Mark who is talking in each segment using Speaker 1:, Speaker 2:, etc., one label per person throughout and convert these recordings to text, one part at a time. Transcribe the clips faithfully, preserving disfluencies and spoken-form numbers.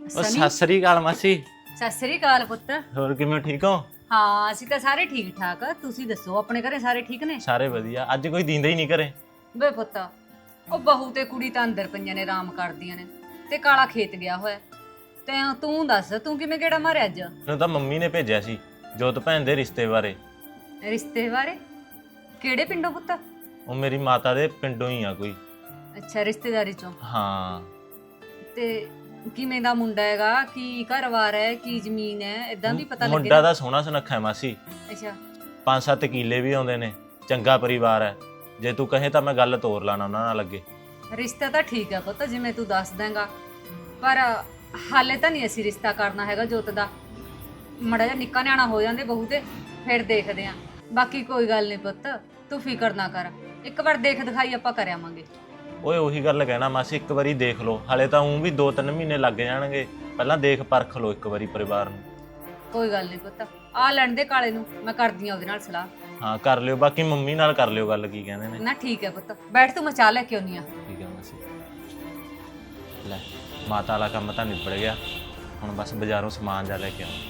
Speaker 1: ਉਹ ਸਤਿ ਸ੍ਰੀ ਅਕਾਲ ਮਾਸੀ।
Speaker 2: ਸਤਿ ਸ੍ਰੀ ਅਕਾਲ ਪੁੱਤ।
Speaker 1: ਹੋਰ ਕਿਵੇਂ, ਠੀਕ ਹੋ?
Speaker 2: ਹਾਂ ਅਸੀਂ ਤਾਂ ਸਾਰੇ ਠੀਕ ਠਾਕ। ਤੁਸੀਂ ਦੱਸੋ ਆਪਣੇ ਘਰੇ ਸਾਰੇ ਠੀਕ ਨੇ?
Speaker 1: ਸਾਰੇ ਵਧੀਆ। ਅੱਜ ਕੋਈ ਦਿੰਦਾ ਹੀ ਨਹੀਂ ਘਰੇ।
Speaker 2: ਵੇ ਪੁੱਤ ਉਹ ਬਹੂ ਤੇ ਕੁੜੀ ਤਾਂ ਅੰਦਰ ਪਈਆਂ ਨੇ, ਆਰਾਮ ਕਰਦੀਆਂ ਨੇ, ਤੇ ਕਾਲਾ ਖੇਤ ਗਿਆ ਹੋਇਆ। ਤੇ ਤੂੰ ਦੱਸ, ਤੂੰ ਕਿਵੇਂ ਕਿਹੜਾ ਮਾਰਿਆ ਅੱਜ?
Speaker 1: ਮੈਨੂੰ ਤਾਂ ਮੰਮੀ ਨੇ ਭੇਜਿਆ ਸੀ ਜੋਤ ਭੈਣ ਦੇ ਰਿਸ਼ਤੇ ਬਾਰੇ।
Speaker 2: ਰਿਸ਼ਤੇ ਬਾਰੇ? ਕਿਹੜੇ ਪਿੰਡੋਂ ਪੁੱਤ?
Speaker 1: ਉਹ ਮੇਰੀ ਮਾਤਾ ਦੇ ਪਿੰਡੋਂ ਹੀ ਆ ਕੋਈ।
Speaker 2: ਅੱਛਾ, ਰਿਸ਼ਤੇਦਾਰੀ ਚੋਂ।
Speaker 1: ਹਾਂ।
Speaker 2: ਤੇ ਕਿਵੇਂ ਦਾ ਮੁੰਡਾ ਹੈਗਾ? ਕੀ ਘਰ-ਬਾਰ ਹੈ? ਕੀ ਜ਼ਮੀਨ ਹੈ? ਇਦਾਂ ਵੀ ਪਤਾ ਲੱਗੇ।
Speaker 1: ਮੁੰਡਾ ਦਾ ਸੋਹਣਾ ਸੁਨੱਖਾ ਹੈ ਮਾਸੀ।
Speaker 2: ਅੱਛਾ।
Speaker 1: ਪੰਜ ਸੱਤ ਕਿੱਲੇ ਵੀ ਆਉਂਦੇ ਨੇ, ਚੰਗਾ ਪਰਿਵਾਰ ਹੈ। ਜੇ ਤੂੰ ਕਹੇ ਤਾਂ ਮੈਂ ਗੱਲ ਤੋਰ ਲਾਣਾ ਉਹਨਾਂ ਨਾਲ ਅੱਗੇ।
Speaker 2: ਰਿਸ਼ਤਾ ਤਾਂ ਠੀਕ ਹੈ ਪੁੱਤ, ਜਿਵੇਂ ਤੂੰ ਦੱਸ ਦੇਂਗਾ, ਪਰ ਹਾਲੇ ਤਾਂ ਨਹੀਂ ਅਸੀਂ ਰਿਸ਼ਤਾ ਕਰਨਾ ਹੈਗਾ ਜੋਤ ਦਾ। ਮੜਾ ਜਿਹਾ ਨਿੱਕਾ ਨਿਆਣਾ ਹੋ ਜਾਂਦੇ ਬਹੂ ਤੇ, ਫਿਰ ਦੇਖਦੇ ਆਂ। ਬਾਕੀ ਕੋਈ ਗੱਲ ਨਹੀਂ ਪੁੱਤ, ਤੂੰ ਫਿਕਰ ਨਾ ਕਰ। ਇੱਕ ਵਾਰ ਦੇਖ ਦਿਖਾਈ ਆਪਾਂ ਕਰ ਆਵਾਂਗੇ।
Speaker 1: ਓਏ ਉਹੀ ਗੱਲ ਕਹਿਣਾ ਮਾਸੀ, ਇੱਕ ਵਾਰੀ ਦੇਖ ਲਓ। ਹਾਲੇ ਤਾਂ ਉਂ ਵੀ ਦੋ ਤਿੰਨ ਮਹੀਨੇ ਲੱਗ ਜਾਣਗੇ। ਪਹਿਲਾਂ ਦੇਖ ਪਰਖ ਲਓ ਇੱਕ ਵਾਰੀ ਪਰਿਵਾਰ ਨੂੰ।
Speaker 2: ਕੋਈ ਗੱਲ ਨਹੀਂ ਪੁੱਤ, ਆ ਲੈਣ ਦੇ ਕਾਲੇ ਨੂੰ, ਮੈਂ ਕਰਦੀ ਆ ਉਹਦੇ ਨਾਲ ਸਲਾਹ।
Speaker 1: ਹਾਂ ਕਰ ਲਿਓ, ਬਾਕੀ ਮੰਮੀ ਨਾਲ ਕਰ ਲਿਓ ਗੱਲ, ਕੀ ਕਹਿੰਦੇ ਨੇ।
Speaker 2: ਨਾ ਠੀਕ ਹੈ ਪੁੱਤ, ਬੈਠ ਤੂੰ, ਮੈਂ ਚਾਹ ਲੈ ਕੇ ਆਉਣੀ ਆ।
Speaker 1: ਠੀਕ ਹੈ ਮਾਸੀ। ਲੈ ਮਾਤਾ ਵਾਲਾ ਕੰਮ ਤਾਂ ਨਿਬੜ ਗਿਆ, ਹੁਣ ਬਸ ਬਾਜ਼ਾਰੋਂ ਸਮਾਨ ਜਾ ਲੈ ਕੇ ਆਉਂ।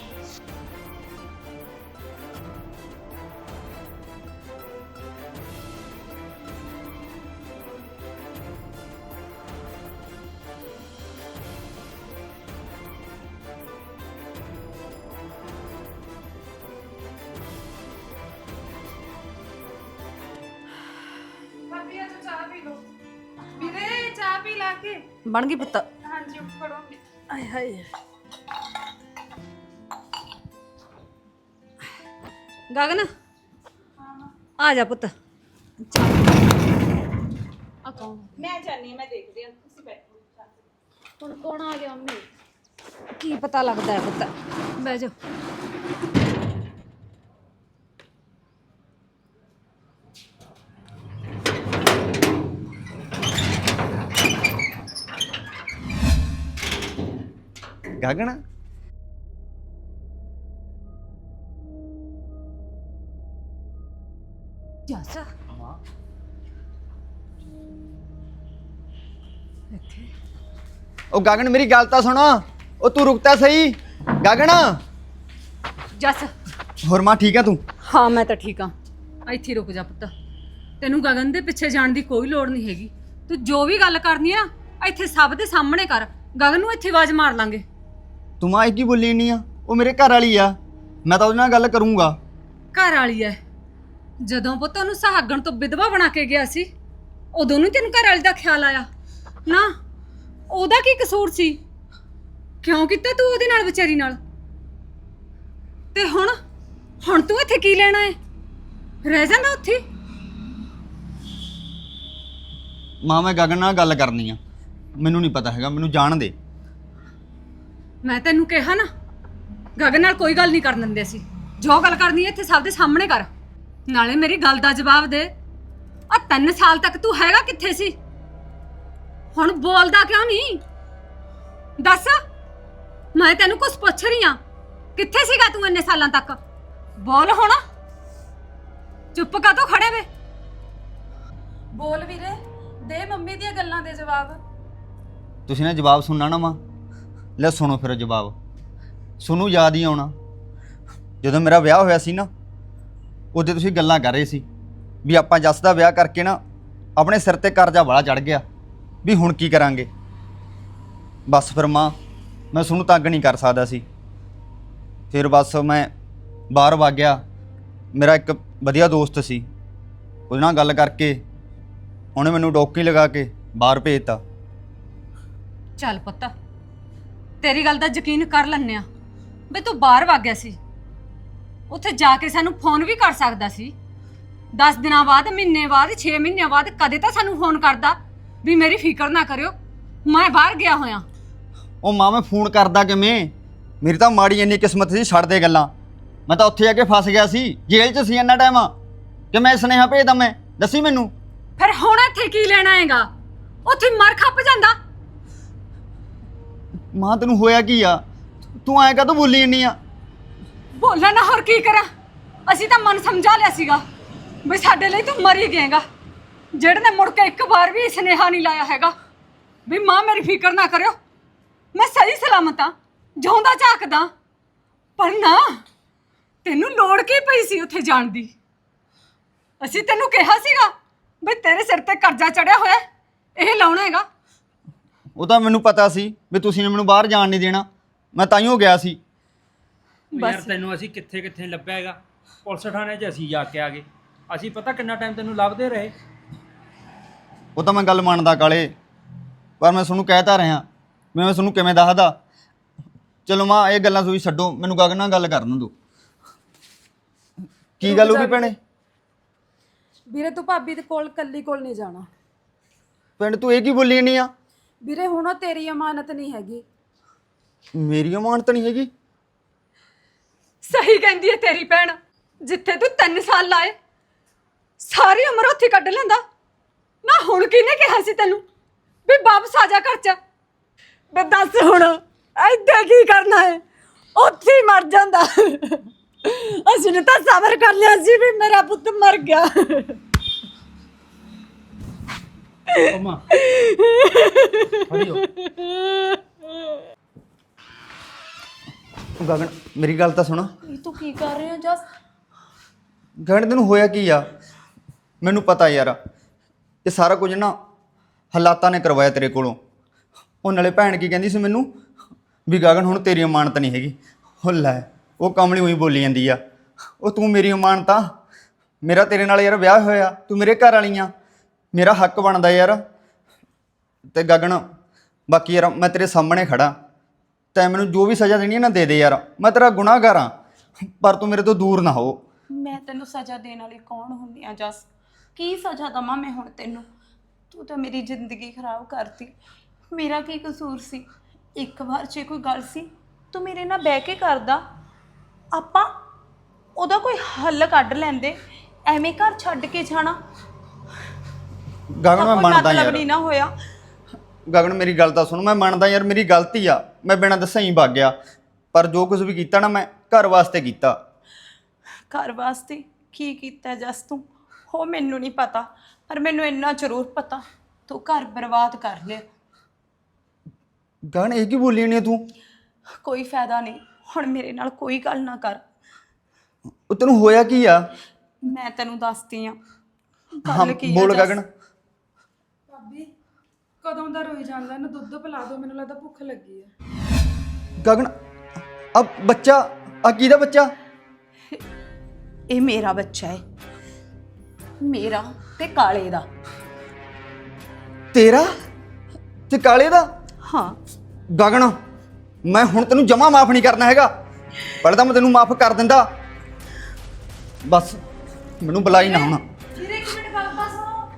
Speaker 3: ਵੀਰੇ ਚਾਹ ਪੀ ਲਾ ਕੇ।
Speaker 2: ਬਣ ਗਈ ਪੁੱਤ?
Speaker 3: ਹਾਂਜੀ ਫੜੋ।
Speaker 2: ਆਏ ਹਾਏ। ਗਗਨ ਆ ਜਾ ਪੁੱਤ। ਆ ਕੌਣ?
Speaker 3: ਮੈਂ ਜਾਣੀ ਮੈਂ ਦੇਖਦੀ ਹਾਂ, ਤੁਸੀਂ ਬੈਠੋ।
Speaker 2: ਹੁਣ ਕੌਣ ਆ ਗਿਆ ਮੰਮੀ? ਕੀ ਪਤਾ ਲੱਗਦਾ ਹੈ ਪੁੱਤ, ਬਹਿ ਜਾ।
Speaker 4: ਗਗਨ
Speaker 2: ਜੱਸ ਇੱਥੇ?
Speaker 4: ਉਹ ਗਗਨ ਮੇਰੀ ਗੱਲ ਤਾਂ ਸੁਣ। ਉਹ ਤੂੰ ਰੁਕਤਾ ਸਹੀ ਗਗਨ।
Speaker 2: ਜੱਸ।
Speaker 4: ਹੋਰ ਮਾਂ ਠੀਕ ਆ ਤੂੰ?
Speaker 2: ਹਾਂ ਮੈਂ ਤਾਂ ਠੀਕ ਆ। ਇੱਥੇ ਰੁਕ ਜਾ ਪੁੱਤ, ਤੈਨੂੰ ਗਗਨ ਦੇ ਪਿੱਛੇ ਜਾਣ ਦੀ ਕੋਈ ਲੋੜ ਨਹੀਂ ਹੈਗੀ। ਤੂੰ ਜੋ ਵੀ ਗੱਲ ਕਰਨੀ ਆ ਇੱਥੇ ਸਭ ਦੇ ਸਾਹਮਣੇ ਕਰ। ਗਗਨ ਨੂੰ ਇੱਥੇ ਆਵਾਜ਼ ਮਾਰ ਲਾਂਗੇ।
Speaker 4: ਤੂੰ ਮਾਂ ਇਹ ਕੀ ਬੋਲੀ ਨਹੀਂ ਆ? ਉਹ ਮੇਰੇ ਘਰ ਵਾਲੀ ਆ, ਮੈਂ ਤਾਂ ਉਹਦੇ ਨਾਲ ਗੱਲ ਕਰੂੰਗਾ।
Speaker 2: ਘਰ ਵਾਲੀ ਐ? ਜਦੋਂ ਪੁੱਤ ਉਹਨੂੰ ਸੁਹਾਗਣ ਤੋਂ ਵਿਧਵਾ ਬਣਾ ਕੇ ਗਿਆ ਸੀ, ਉਦੋਂ ਨੂੰ ਤੈਨੂੰ ਘਰ ਵਾਲੀ ਦਾ ਖਿਆਲ ਆਇਆ ਨਾ? ਉਹਦਾ ਕੀ ਕਸੂਰ ਸੀ? ਕਿਉਂ ਕੀਤਾ ਤੂੰ ਉਹਦੇ ਨਾਲ, ਵਿਚਾਰੀ ਨਾਲ? ਤੇ ਹੁਣ ਹੁਣ ਤੂੰ ਇੱਥੇ ਕੀ ਲੈਣਾ ਹੈ? ਰਹਿ ਜਾਂਦਾ ਉੱਥੇ।
Speaker 4: ਮਾਂ ਮੈਂ ਗਗਨ ਨਾਲ ਗੱਲ ਕਰਨੀ ਆ, ਮੈਨੂੰ ਨਹੀਂ ਪਤਾ ਹੈਗਾ, ਮੈਨੂੰ ਜਾਣ ਦੇ।
Speaker 2: ਮੈਂ ਤੈਨੂੰ ਕਿਹਾ ਨਾ, ਗਗਨ ਨਾਲ ਕੋਈ ਗੱਲ ਨਹੀਂ ਕਰਨ ਦਿੰਦੇ ਅਸੀਂ। ਜੋ ਗੱਲ ਕਰਨੀ ਹੈ ਇੱਥੇ ਸਭ ਦੇ ਸਾਹਮਣੇ ਕਰ। ਨਾਲੇ ਮੇਰੀ ਗੱਲ ਦਾ ਜਵਾਬ ਦੇ। ਆ ਤਿੰਨ ਸਾਲ ਤੱਕ ਤੂੰ ਹੈਗਾ ਕਿੱਥੇ ਸੀ? ਹੁਣ ਬੋਲਦਾ ਕਿਉਂ ਨਹੀਂ? ਦੱਸ, ਮੈਂ ਤੈਨੂੰ ਕੁਝ ਪੁੱਛ ਰਹੀ ਆ। ਕਿੱਥੇ ਸੀਗਾ ਤੂੰ ਇੰਨੇ ਸਾਲਾਂ ਤੱਕ? ਬੋਲ ਹੁਣ। ਚੁੱਪ ਕਾ ਤੋ ਖੜੇ ਵੇ?
Speaker 3: ਬੋਲ ਵੀਰੇ, ਦੇ ਮੰਮੀ ਦੀਆਂ ਗੱਲਾਂ ਦੇ ਜਵਾਬ।
Speaker 4: ਤੁਸੀਂ ਨਾ ਜਵਾਬ ਸੁਣਨਾ ਨਾ ਮਾਂ। ਲੈ ਸੁਣੋ ਫਿਰ ਜਵਾਬ। ਸੁਣੂ ਯਾਦ ਹੀ ਆਉਣਾ, ਜਦੋਂ ਮੇਰਾ ਵਿਆਹ ਹੋਇਆ ਸੀ ਨਾ, ਉਦੋਂ ਤੁਸੀਂ ਗੱਲਾਂ ਕਰ ਰਹੇ ਸੀ ਵੀ ਆਪਾਂ ਜੱਸ ਦਾ ਵਿਆਹ ਕਰਕੇ ਨਾ ਆਪਣੇ ਸਿਰ ਤੇ ਕਰਜ਼ਾ ਬੜਾ ਚੜ ਗਿਆ, ਵੀ ਹੁਣ ਕੀ ਕਰਾਂਗੇ। ਬਸ ਫਿਰ ਮਾਂ ਮੈਂ ਤੁਹਾਨੂੰ ਤੰਗ ਨਹੀਂ ਕਰ ਸਕਦਾ ਸੀ। ਫਿਰ ਬਸ ਮੈਂ ਬਾਹਰ ਵਗ ਗਿਆ। ਮੇਰਾ ਇੱਕ ਵਧੀਆ ਦੋਸਤ ਸੀ, ਉਹਦੇ ਨਾਲ ਗੱਲ ਕਰਕੇ ਉਹਨੇ ਮੈਨੂੰ ਡੋਕੀ ਲਗਾ ਕੇ ਬਾਹਰ ਭੇਜਤਾ।
Speaker 2: ਚੱਲ ਪੁੱਤ, ਤੇਰੀ ਗੱਲ ਦਾ ਯਕੀਨ ਕਰ ਲੈਂਦੇ ਆ ਵੀ ਤੂੰ ਬਾਹਰ ਵਗ ਗਿਆ ਸੀ। ਉੱਥੇ ਜਾ ਕੇ ਸਾਨੂੰ ਫੋਨ ਵੀ ਕਰ ਸਕਦਾ ਸੀ। ਦਸ ਦਿਨਾਂ ਬਾਅਦ, ਮਹੀਨੇ ਬਾਅਦ, ਛੇ ਮਹੀਨਿਆਂ ਬਾਅਦ ਕਦੇ ਤਾਂ ਸਾਨੂੰ ਫੋਨ ਕਰਦਾ ਵੀ ਮੇਰੀ ਫਿਕਰ ਨਾ ਕਰਿਓ, ਮੈਂ ਬਾਹਰ ਗਿਆ ਹੋਇਆ।
Speaker 4: ਉਹ ਮਾਂ ਮੈਂ ਫੋਨ ਕਰਦਾ ਕਿਵੇਂ? ਮੇਰੀ ਤਾਂ ਮਾੜੀ ਇੰਨੀ ਕਿਸਮਤ ਸੀ, ਛੱਡ ਦੇ ਗੱਲਾਂ। ਮੈਂ ਤਾਂ ਉੱਥੇ ਜਾ ਕੇ ਫਸ ਗਿਆ ਸੀ, ਜੇਲ੍ਹ 'ਚ ਸੀ ਇੰਨਾ ਟਾਈਮ ਕਿ ਮੈਂ ਸੁਨੇਹਾ ਭੇਜਦਾ। ਮੈਂ ਦੱਸੀ ਮੈਨੂੰ।
Speaker 2: ਫਿਰ ਹੁਣ ਇੱਥੇ ਕੀ ਲੈਣਾ ਹੈਗਾ? ਉੱਥੇ ਮਰ ਖੱਪ ਜਾਂਦਾ।
Speaker 4: ਮਾਂ ਤੈਨੂੰ ਹੋਇਆ ਕੀ ਆ? ਤੂੰ ਐਂ ਕਾਹਤੋਂ ਬੋਲੀ ਇੰਨੀ ਆ?
Speaker 2: ਬੋਲਾਂ ਨਾ, ਹੋਰ ਕੀ ਕਰਾਂ? ਅਸੀਂ ਤਾਂ ਮਨ ਸਮਝਾ ਲਿਆ ਸੀਗਾ ਵੀ ਸਾਡੇ ਲਈ ਤੂੰ ਮਰ ਹੀ ਗਿਆਗਾ। ਜਿਹੜੇ ਨੇ ਮੁੜ ਕੇ ਇੱਕ ਵਾਰ ਵੀ ਸੁਨੇਹਾ ਨਹੀਂ ਲਾਇਆ ਹੈਗਾ ਵੀ ਮਾਂ ਮੇਰੀ ਫਿਕਰ ਨਾ ਕਰਿਓ, ਮੈਂ ਸਹੀ ਸਲਾਮਤ ਆ, ਜਿਉਂਦਾ ਝਾਕਦਾ। ਪਰ ਨਾ, ਤੈਨੂੰ ਲੋੜ ਕੀ ਪਈ ਸੀ ਉੱਥੇ ਜਾਣ ਦੀ? ਅਸੀਂ ਤੈਨੂੰ ਕਿਹਾ ਸੀਗਾ ਵੀ ਤੇਰੇ ਸਿਰ ਤੇ ਕਰਜ਼ਾ ਚੜਿਆ ਹੋਇਆ, ਇਹ ਲਾਉਣਾ ਹੈਗਾ।
Speaker 4: ਉਹ ਤਾਂ ਮੈਨੂੰ ਪਤਾ ਸੀ ਵੀ ਤੁਸੀਂ ਨੇ ਮੈਨੂੰ ਬਾਹਰ ਜਾਣ ਨਹੀਂ ਦੇਣਾ, ਮੈਂ ਤਾਈਓ ਗਿਆ ਸੀ।
Speaker 5: ਯਾਰ ਤੈਨੂੰ ਅਸੀਂ ਕਿੱਥੇ ਕਿੱਥੇ ਲੱਭਿਆ ਹੈਗਾ, ਪੁਲਿਸ ਥਾਣੇ 'ਚ ਅਸੀਂ ਜਾ ਕੇ ਆ ਗਏ। ਅਸੀਂ ਪਤਾ ਕਿੰਨਾ ਟਾਈਮ ਤੈਨੂੰ ਲੱਭਦੇ ਰਹੇ।
Speaker 4: ਉਹ ਤਾਂ ਮੈਂ ਗੱਲ ਮੰਨਦਾ ਕਾਲੇ, ਪਰ ਮੈਂ ਤੁਹਾਨੂੰ ਕਹਿਤਾ ਰਿਹਾ ਵੀ ਮੈਂ ਤੁਹਾਨੂੰ ਕਿਵੇਂ ਦੱਸਦਾ। ਚਲੋ ਮਾਂ ਇਹ ਗੱਲਾਂ ਤੁਸੀਂ ਛੱਡੋ, ਮੈਨੂੰ ਗਗਨ ਨਾਲ ਗੱਲ ਕਰਨ ਦਿਓ। ਕੀ ਗੱਲ ਹੋ ਗਈ ਭੈਣੇ?
Speaker 3: ਵੀਰੇ ਤੂੰ ਭਾਬੀ ਦੇ ਕੋਲ ਕੱਲੀ ਕੋਲ ਨਹੀਂ ਜਾਣਾ।
Speaker 4: ਪਿੰਡ ਤੂੰ ਇਹ ਕੀ ਬੋਲੀ ਨਹੀਂ ਆ?
Speaker 3: ਵੀਰੇ ਹੁਣ ਉਹ ਤੇਰੀ ਅਮਾਨਤ ਨਹੀਂ ਹੈਗੀ।
Speaker 4: ਮੇਰੀ ਅਮਾਨਤ ਨਹੀਂ ਹੈਗੀ?
Speaker 2: ਸਹੀ ਕਹਿੰਦੀ ਹੈ ਤੇਰੀ ਭੈਣ। ਜਿੱਥੇ ਤੂੰ ਤਿੰਨ ਸਾਲ ਲਾਏ, ਸਾਰੀ ਉਮਰ ਉੱਥੇ ਕੱਢ ਲੈਂਦਾ ਨਾ। ਹੁਣ ਕਿਹਨੇ ਕਿਹਾ ਸੀ ਤੈਨੂੰ ਵੀ ਵਾਪਸ ਆ ਜਾ ਘਰ ਚ? ਬੇ ਦੱਸ ਹੁਣ ਇੱਥੇ ਕੀ ਕਰਨਾ ਹੈ? ਉੱਥੇ ਹੀ ਮਰ ਜਾਂਦਾ। ਅਸੀਂ ਨੇ ਤਾਂ ਸਬਰ ਕਰ ਲਿਆ ਸੀ ਵੀ ਮੇਰਾ ਪੁੱਤ ਮਰ ਗਿਆ।
Speaker 5: ਅਮਾ ਹਰੀਓ
Speaker 4: ਗਗਨ ਮੇਰੀ ਗੱਲ ਤਾਂ ਸੁਣ।
Speaker 3: ਇਹ ਤੂੰ ਕੀ ਕਰ ਰਿਹਾ ਜਸ?
Speaker 4: ਗਗਨ ਤੈਨੂੰ ਹੋਇਆ ਕੀ ਆ? ਮੈਨੂੰ ਪਤਾ ਯਾਰ, ਇਹ ਸਾਰਾ ਕੁਝ ਨਾ ਹਾਲਾਤਾਂ ਨੇ ਕਰਵਾਇਆ ਤੇਰੇ ਕੋਲੋਂ। ਉਹ ਨਾਲੇ ਭੈਣ ਕੀ ਕਹਿੰਦੀ ਸੀ ਮੈਨੂੰ ਵੀ ਗਗਨ ਹੁਣ ਤੇਰੀ ਅਮਾਨਤ ਨਹੀਂ ਹੈਗੀ। ਉਹ ਲੈ, ਉਹ ਕਮਲੀ ਉਹੀ ਬੋਲੀ ਜਾਂਦੀ ਆ। ਉਹ ਤੂੰ ਮੇਰੀ ਅਮਾਨਤ ਆ, ਮੇਰਾ ਤੇਰੇ ਨਾਲ ਯਾਰ ਵਿਆਹ ਹੋਇਆ, ਤੂੰ ਮੇਰੇ ਘਰ ਵਾਲੀ ਆ, ਮੇਰਾ ਹੱਕ ਬਣਦਾ ਯਾਰ। ਤੇ ਗਗਨ ਬਾਕੀ ਯਾਰ ਮੈਂ ਤੇਰੇ ਸਾਹਮਣੇ ਖੜਾ, ਤੈਂ ਮੈਨੂੰ ਜੋ ਵੀ ਸਜ਼ਾ ਦੇਣੀ ਹੈ ਨਾ ਦੇ ਦੇ ਯਾਰ। ਮੈਂ ਤੇਰਾ ਗੁਨਾਹਗਾਰ ਹਾਂ, ਪਰ ਤੂੰ ਮੇਰੇ ਤੋਂ ਦੂਰ ਨਾ ਹੋ।
Speaker 3: ਮੈਂ ਤੈਨੂੰ ਸਜ਼ਾ ਦੇਣ ਵਾਲੀ ਕੌਣ ਹੁੰਦੀ ਆ ਜਸ? ਕੀ ਸਜ਼ਾ ਦਵਾਂ ਮੈਂ ਹੁਣ ਤੈਨੂੰ? ਤੂੰ ਤਾਂ ਮੇਰੀ ਜ਼ਿੰਦਗੀ ਖਰਾਬ ਕਰਤੀ। ਮੇਰਾ ਕੀ ਕਸੂਰ ਸੀ? ਇੱਕ ਵਾਰ ਜੇ ਕੋਈ ਗੱਲ ਸੀ ਤੂੰ ਮੇਰੇ ਨਾਲ ਬਹਿ ਕੇ ਕਰਦਾ, ਆਪਾਂ ਉਹਦਾ ਕੋਈ ਹੱਲ ਕੱਢ ਲੈਂਦੇ। ਐਵੇਂ ਘਰ ਛੱਡ ਕੇ ਜਾਣਾ
Speaker 4: ਗਗਨ ਮੈਂ ਮੰਨਦਾ
Speaker 3: ਮਤਲਬ
Speaker 4: ਯਾਰ।
Speaker 3: ਨਹੀਂ ਨਾ ਹੋਇਆ।
Speaker 4: ਗਗਨ ਮੇਰੀ ਗੱਲ ਤਾਂ ਸੁਣ, ਮੈਂ ਮੰਨਦਾ ਯਾਰ ਮੇਰੀ ਗਲਤੀ ਆ, ਮੈਂ ਬਿਨਾਂ ਦੱਸਿਆ ਹੀ ਵਗ ਗਿਆ। ਪਰ ਜੋ ਕੁਝ ਵੀ ਕੀਤਾ ਨਾ ਮੈਂ ਘਰ ਵਾਸਤੇ ਕੀਤਾ।
Speaker 3: ਘਰ ਵਾਸਤੇ ਕੀ ਕੀਤਾ ਜਸ ਤੂੰ? ਹੋ ਮੈਨੂੰ ਨਹੀਂ ਪਤਾ, ਪਰ ਮੈਨੂੰ ਇੰਨਾ ਜ਼ਰੂਰ ਪਤਾ ਤੂੰ ਘਰ ਬਰਬਾਦ ਕਰ ਲਿਆ।
Speaker 4: ਗਗਨ ਇਹ ਕੀ ਬੋਲੀ ਜਾਂਦੀ ਤੂੰ?
Speaker 3: ਕੋਈ ਫਾਇਦਾ ਨਹੀਂ, ਹੁਣ ਮੇਰੇ ਨਾਲ ਕੋਈ ਗੱਲ ਨਾ ਕਰ।
Speaker 4: ਉਹ ਤੈਨੂੰ ਹੋਇਆ ਕੀ ਆ?
Speaker 3: ਮੈਂ ਤੈਨੂੰ ਦੱਸਦੀ ਆ
Speaker 4: ਹਾਂ
Speaker 3: ਗੱਲ ਕੀ ਆ
Speaker 4: ਬੋਲ
Speaker 3: ਜਸ।
Speaker 4: ਗਗਨ।
Speaker 3: ਭਾਬੀ ਕਦੋਂ ਦਾ ਰੋਈ ਜਾਂਦਾ, ਇਹਨੂੰ ਦੁੱਧ ਪਿਲਾ ਦਿਓ, ਮੈਨੂੰ ਲੱਗਦਾ ਭੁੱਖ ਲੱਗੀ ਆ।
Speaker 4: ਗਗਨ ਆ ਬੱਚਾ, ਆ ਕਿਹਦਾ ਬੱਚਾ?
Speaker 3: ਇਹ ਮੇਰਾ ਬੱਚਾ ਹੈ, ਮੇਰਾ ਤੇ ਕਾਲੇ ਦਾ।
Speaker 4: ਤੇਰਾ ਤੇ ਕਾਲੇ ਦਾ?
Speaker 3: ਹਾਂ
Speaker 4: ਗਗਨ ਮੈਂ ਹੁਣ ਤੈਨੂੰ ਜਮਾ ਮਾਫ ਨਹੀਂ ਕਰਨਾ ਹੈਗਾ। ਪਹਿਲਾਂ ਤਾਂ ਮੈਂ ਤੈਨੂੰ ਮਾਫ ਕਰ ਦਿੰਦਾ, ਬਸ ਮੈਨੂੰ ਬੁਲਾਈ ਨਾ ਹੁਣ।
Speaker 3: ਵੀਰੇ ਇੱਕ ਮਿੰਟ ਗੱਲ ਤਾਂ ਸੁਣੋ।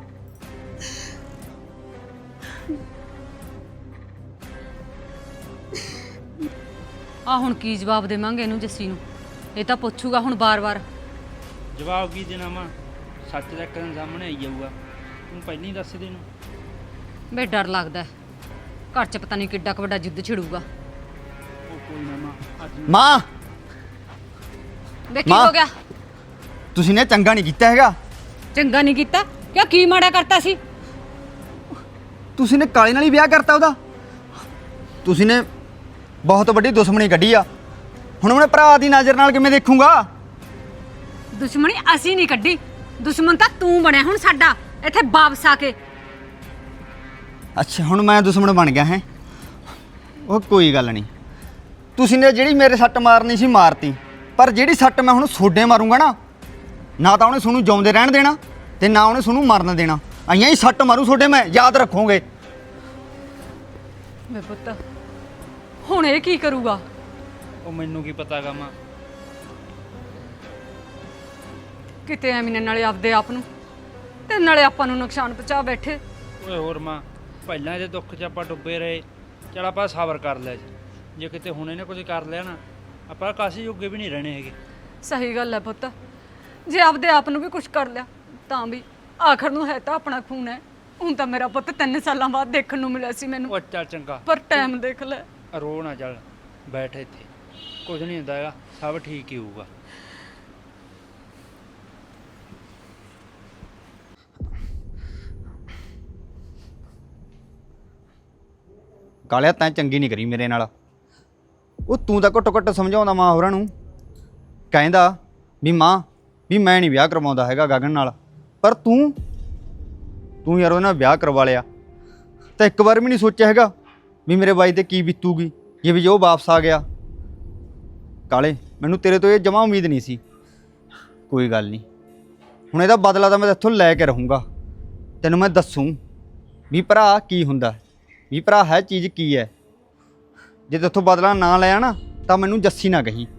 Speaker 2: ਆ ਹੁਣ ਕੀ ਜਵਾਬ ਦੇਵਾਂਗੇ ਇਹਨੂੰ, ਜੱਸੀ ਨੂੰ? ਇਹ ਤਾਂ ਪੁੱਛੂਗਾ ਹੁਣ ਬਾਰ-ਬਾਰ।
Speaker 5: ਜਵਾਬ ਕੀ ਦੇਣਾ ਵਾ? ਸੱਚ ਦਾ ਇੱਕ ਦਿਨ ਸਾਹਮਣੇ ਆਈ ਜਾਊਗਾ। ਤੂੰ ਪਹਿਲਾਂ ਹੀ ਦੱਸ ਦੇ ਇਹਨੂੰ।
Speaker 2: ਬੇ ਡਰ ਲੱਗਦਾ ਹੈ, ਘਰ 'ਚ ਪਤਾ ਨਹੀਂ ਕਿੱਡਾ ਕੁ ਵੱਡਾ ਜਿੱਦ ਛਿੜੂਗਾ।
Speaker 5: ਉਹ ਕੋਈ ਨਾ ਮਾਂ, ਅੱਜ
Speaker 4: ਮਾਂ
Speaker 2: ਬੇ ਕੀ
Speaker 4: ਮਾਂ।
Speaker 2: ਹੋ ਗਿਆ?
Speaker 4: ਤੁਸੀਂ ਨੇ ਚੰਗਾ ਨਹੀਂ ਕੀਤਾ ਹੈਗਾ।
Speaker 2: ਚੰਗਾ ਨਹੀਂ ਕੀਤਾ? ਕਿਉਂ, ਕੀ ਮਾੜਾ ਕਰਤਾ ਸੀ?
Speaker 4: ਤੁਸੀਂ ਨੇ ਕਾਲੇ ਨਾਲ ਹੀ ਵਿਆਹ ਕਰਤਾ ਉਹਦਾ। ਤੁਸੀਂ ਨੇ ਬਹੁਤ ਵੱਡੀ ਦੁਸ਼ਮਣੀ ਕੱਢੀ ਆ। ਹੁਣ ਮੈਂ ਭਰਾ ਦੀ ਨਜ਼ਰ ਨਾਲ ਕਿਵੇਂ ਦੇਖੂੰਗਾ?
Speaker 2: ਦੁਸ਼ਮਣੀ ਅਸੀਂ ਨਹੀਂ ਕੱਢੀ, ਦੁਸ਼ਮਣ ਤਾਂ ਤੂੰ ਬਣਿਆ ਹੁਣ ਸਾਡਾ ਇੱਥੇ ਵਾਪਸ ਆ ਕੇ।
Speaker 4: ਅੱਛਾ ਹੁਣ ਮੈਂ ਦੁਸ਼ਮਣ ਬਣ ਗਿਆ ਹੈ? ਉਹ ਕੋਈ ਗੱਲ ਨਹੀਂ, ਤੁਸੀਂ ਨੇ ਜਿਹੜੀ ਮੇਰੇ ਸੱਟ ਮਾਰਨੀ ਸੀ ਮਾਰਤੀ, ਪਰ ਜਿਹੜੀ ਸੱਟ ਮੈਂ ਹੁਣ ਸੋਡੇ ਮਾਰੂੰਗਾ ਨਾ, ਨਾ ਤਾਂ ਉਹਨੇ ਤੁਹਾਨੂੰ ਜਿਉਂਦੇ ਰਹਿਣ ਦੇਣਾ ਤੇ ਨਾ ਉਹਨੇ ਤੁਹਾਨੂੰ ਮਰਨ ਦੇਣਾ। ਆਈਆਂ ਹੀ ਸੱਟ ਮਾਰੂ ਸੋਡੇ, ਮੈਂ ਯਾਦ ਰੱਖੋਗੇ।
Speaker 2: ਮੇ ਪੁੱਤ ਹੁਣ ਇਹ ਕੀ ਕਰੂਗਾ?
Speaker 5: ਉਹ ਮੈਨੂੰ ਕੀ ਪਤਾਗਾ ਮਾਂ।
Speaker 2: ਕਿਤੇ ਐਵੇਂ ਨਾਲੇ ਆਪਦੇ ਆਪ ਨੂੰ ਤੇ ਨਾਲੇ ਆਪਾਂ ਨੂੰ ਨੁਕਸਾਨ ਪਹੁੰਚਾ ਬੈਠੇ।
Speaker 5: ਓਏ ਹੋਰ ਮਾਂ, ਪਹਿਲਾਂ ਇਹਦੇ ਦੁੱਖ 'ਚ ਆਪਾਂ ਡੁੱਬੇ ਰਹੇ, ਚਲ ਆਪਾਂ ਸਬਰ ਕਰ ਲਿਆ ਜੀ। ਜੇ ਕਿਤੇ ਹੁਣ ਇਹਨੇ ਕੁਝ ਕਰ ਲਿਆ ਨਾ, ਆਪਾਂ ਕਾਸੀ ਜੋਗੇ ਵੀ ਨਹੀਂ ਰਹਿਣੇ ਹੈਗੇ।
Speaker 2: ਸਹੀ ਗੱਲ ਹੈ ਪੁੱਤ, ਜੇ ਆਪਦੇ ਆਪ ਨੂੰ ਵੀ ਕੁਝ ਕਰ ਲਿਆ ਤਾਂ ਵੀ ਆਖਰ ਨੂੰ ਹੈ ਤਾਂ ਆਪਣਾ ਖੂਨ ਹੈ। ਹੁਣ ਤਾਂ ਮੇਰਾ ਪੁੱਤ ਤਿੰਨ ਸਾਲਾਂ ਬਾਅਦ ਦੇਖਣ ਨੂੰ ਮਿਲਿਆ ਸੀ ਮੈਨੂੰ,
Speaker 5: ਉਹ ਚੱਲ ਚੰਗਾ,
Speaker 2: ਪਰ ਟਾਈਮ ਦੇਖ ਲੈ।
Speaker 5: ਰੋ ਨਾ, ਚੱਲ ਬੈਠ ਇੱਥੇ, ਕੁਝ ਨਹੀਂ ਹੁੰਦਾ ਹੈਗਾ, ਸਭ ਠੀਕ ਹੀ ਹੋਊਗਾ।
Speaker 4: ਕਾਲਿਆ ਤੈਂ ਚੰਗੀ ਨਹੀਂ ਕਰੀ ਮੇਰੇ ਨਾਲ। ਉਹ ਤੂੰ ਤਾਂ ਘੱਟੋ ਘੱਟ ਸਮਝਾਉਂਦਾ ਮਾਂ ਹੋਰਾਂ ਨੂੰ, ਕਹਿੰਦਾ ਵੀ ਮਾਂ ਵੀ ਮੈਂ ਨਹੀਂ ਵਿਆਹ ਕਰਵਾਉਂਦਾ ਹੈਗਾ ਗਗਨ ਨਾਲ, ਪਰ ਤੂੰ ਤੂੰ ਯਾਰ ਉਹਦੇ ਨਾਲ ਵਿਆਹ ਕਰਵਾ ਲਿਆ ਤਾਂ ਇੱਕ ਵਾਰ ਵੀ ਨਹੀਂ ਸੋਚਿਆ ਹੈਗਾ ਵੀ ਮੇਰੇ ਬਾਈ ਤੇ ਕੀ ਬੀਤੂਗੀ ਜੇ ਵੀ ਉਹ ਵਾਪਸ ਆ ਗਿਆ। ਕਾਲੇ ਮੈਨੂੰ ਤੇਰੇ ਤੋਂ ਇਹ ਜਮਾਂ ਉਮੀਦ ਨਹੀਂ ਸੀ। ਕੋਈ ਗੱਲ ਨਹੀਂ, ਹੁਣ ਇਹਦਾ ਬਦਲਾ ਤਾਂ ਮੈਂ ਇੱਥੋਂ ਲੈ ਕੇ ਰਹੂੰਗਾ। ਤੈਨੂੰ ਮੈਂ ਦੱਸੂੰ ਵੀ ਭਰਾ ਕੀ ਹੁੰਦਾ, ਵੀ ਭਰਾ ਹੈ ਚੀਜ਼ ਕੀ ਹੈ। ਜੇ ਤੇਥੋਂ ਬਦਲਾ ਨਾ ਲਿਆ ਨਾ ਤਾਂ ਮੈਨੂੰ ਜੱਸੀ ਨਾ ਕਹੀਂ।